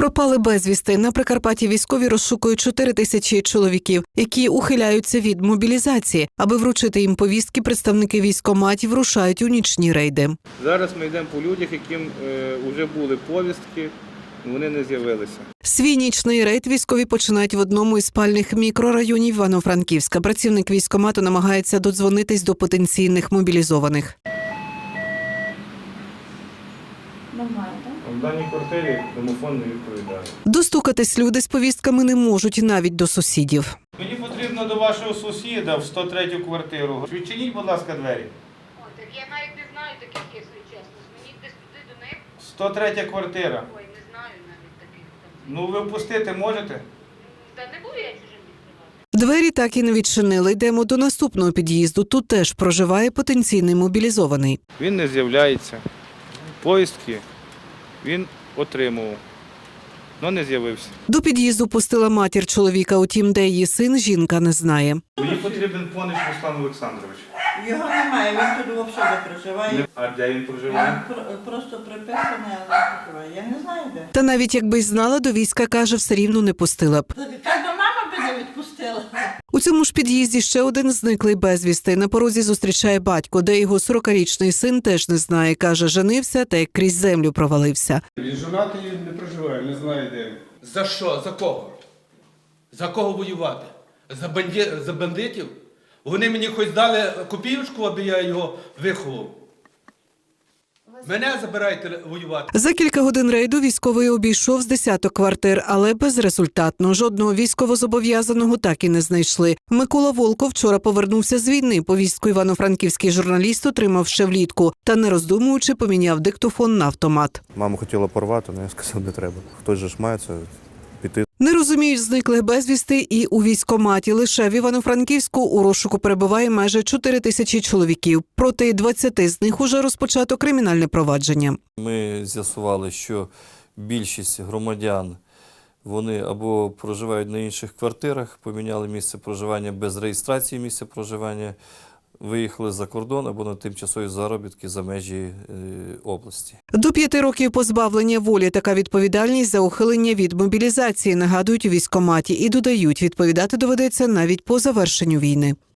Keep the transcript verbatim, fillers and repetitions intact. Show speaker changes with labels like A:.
A: Пропали безвісти. На Прикарпатті військові розшукують чотири тисячі чоловіків, які ухиляються від мобілізації. Аби вручити їм повістки, представники військкоматів рушають у нічні рейди.
B: Зараз ми йдемо по людях, яким вже е, були повістки, вони не з'явилися.
A: Свій нічний рейд військові починають в одному із спальних мікрорайонів Івано-Франківська. Працівник військкомату намагається додзвонитись до потенційних мобілізованих.
C: Нормально, так?
B: В даній квартирі домофон не відповідає.
A: Достукатись люди з повістками не можуть навіть до сусідів.
B: Мені потрібно до вашого сусіда в сто третю квартиру. Відчиніть, будь ласка, двері.
C: Ой, так я навіть не знаю таких, якщо чесно. Мені десь туди до них.
B: сто третя квартира.
C: Ой, не знаю навіть таких там.
B: Ну, ви впустити можете?
C: Та не буду я чужим відкривати.
A: Двері так і не відчинили. Йдемо до наступного під'їзду. Тут теж проживає потенційний мобілізований.
B: Він не з'являється. Повістки він отримував, але не з'явився.
A: До під'їзду пустила матір чоловіка, утім, де її син, жінка не знає.
B: Мені потрібен Понич Руслан Олександрович.
D: Його немає, він тут взагалі не проживає.
B: А де він проживає?
D: Він про- просто приписаний, але не проживає. Я не знаю де.
A: Та навіть якби й знала, до війська, каже, все рівно не пустила б.
D: Та до мама би не відпустила.
A: У цьому ж під'їзді ще один зниклий безвісти. На порозі зустрічає батько, де його сорокарічний син теж не знає. Каже, женився та як крізь землю провалився.
E: Він жонатий, не проживає, не знає де.
F: За що? За кого? За кого воювати? За, банді... За бандитів? Вони мені хоч дали копійочку, аби я його виховав. Мене забирайте воювати.
A: За кілька годин рейду військовий обійшов з десяток квартир, але безрезультатно. Жодного військовозобов'язаного так і не знайшли. Микола Волков вчора повернувся з війни. Повістку івано-франківський журналіст отримав ще влітку. Та не роздумуючи, поміняв диктофон на автомат.
G: Мама хотіла порвати, але я сказав, не треба. Хтось же ж має це піти.
A: Не розуміють зниклих безвісти і у військкоматі. Лише в Івано-Франківську у розшуку перебуває майже чотири тисячі чоловіків. Проти двадцяти з них уже розпочато кримінальне провадження.
G: Ми з'ясували, що більшість громадян, вони або проживають на інших квартирах, поміняли місце проживання без реєстрації місця проживання, виїхали за кордон або на тимчасові заробітки за межі е, області.
A: До п'яти років позбавлення волі – така відповідальність за ухилення від мобілізації, нагадують у військкоматі. І додають, відповідати доведеться навіть по завершенню війни.